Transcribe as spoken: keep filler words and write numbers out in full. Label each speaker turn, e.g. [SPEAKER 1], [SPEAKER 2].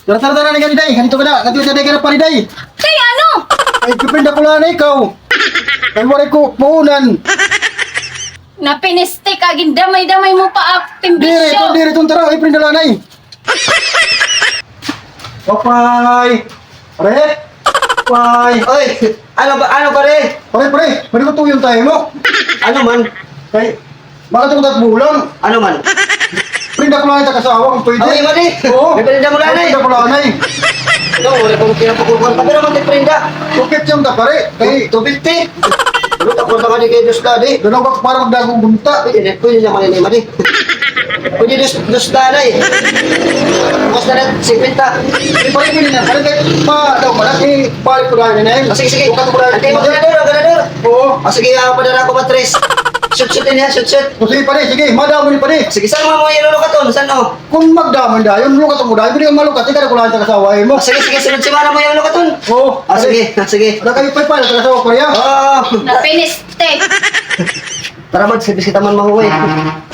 [SPEAKER 1] Tara, tara, tara, na day. Ganito ka na. Ganito ka na, ganito pa ni day.
[SPEAKER 2] Kay ano?
[SPEAKER 1] Ay, pipinda ko lang na ikaw. Ay, wala ko puunan.
[SPEAKER 2] Napiniste ka, gindamay-damay mo pa acting
[SPEAKER 1] Dire, ito,
[SPEAKER 2] bisyo.
[SPEAKER 1] dire, itong tara. Ay, prinda lang na eh. Papay. Pare. Papay.
[SPEAKER 3] Oy, ano ba, ano pare?
[SPEAKER 1] Pare, pare. Pwede ko tuyong tayo mo.
[SPEAKER 3] Ano man?
[SPEAKER 1] Ay, bakit ako tatbulang?
[SPEAKER 3] Ano man?
[SPEAKER 1] Prinda ko lang ito kasawa kung pwede.
[SPEAKER 3] Ay, mali.
[SPEAKER 1] Oo.
[SPEAKER 3] May paninda mo lang, eh.
[SPEAKER 1] Prinda ko lang na eh.
[SPEAKER 3] Ito, wala kong pinapakukuhan. Pati naman din prinda.
[SPEAKER 1] Tukit siyang da, pare. Kay,
[SPEAKER 3] two fifty. Ano, tapos naman ni kay Dos Daddy.
[SPEAKER 1] doon ako parang dagong bunta.
[SPEAKER 3] Pwede na, pwede naman ni Mali. Pwede Dos, Dos Daddy. Tapos na rin, sipinta.
[SPEAKER 1] Ay, pare, pwede na. Pare, kay, pa, daw, malaki. Pare ko lang na eh.
[SPEAKER 3] Ah, sige, sige.
[SPEAKER 1] Bukat ko lang.
[SPEAKER 3] Antay mo, ganador, ganador.
[SPEAKER 1] Oo.
[SPEAKER 3] Ah, sige, ah, padala ko matres. Shoot, shoot din yan, shoot, shoot.
[SPEAKER 1] O, sige, pare, sige. Madamo ni pare.
[SPEAKER 3] Sige, saan mo mo yung lukaton? Saan o?
[SPEAKER 1] Kung magdaman da, yung lukat mo da, pwede kang malukat. Ika na ko lang ito kasawa mo.
[SPEAKER 3] Ah, sige, sige, sunod si Mara mo yung lukaton.
[SPEAKER 1] Oo.
[SPEAKER 3] Ah, sige, ah, sige.
[SPEAKER 1] Wala kayo pa pa, kasawa ko rin.
[SPEAKER 3] Oh,
[SPEAKER 2] Napiniste.
[SPEAKER 3] tara mag, sige, kita man mahuwi.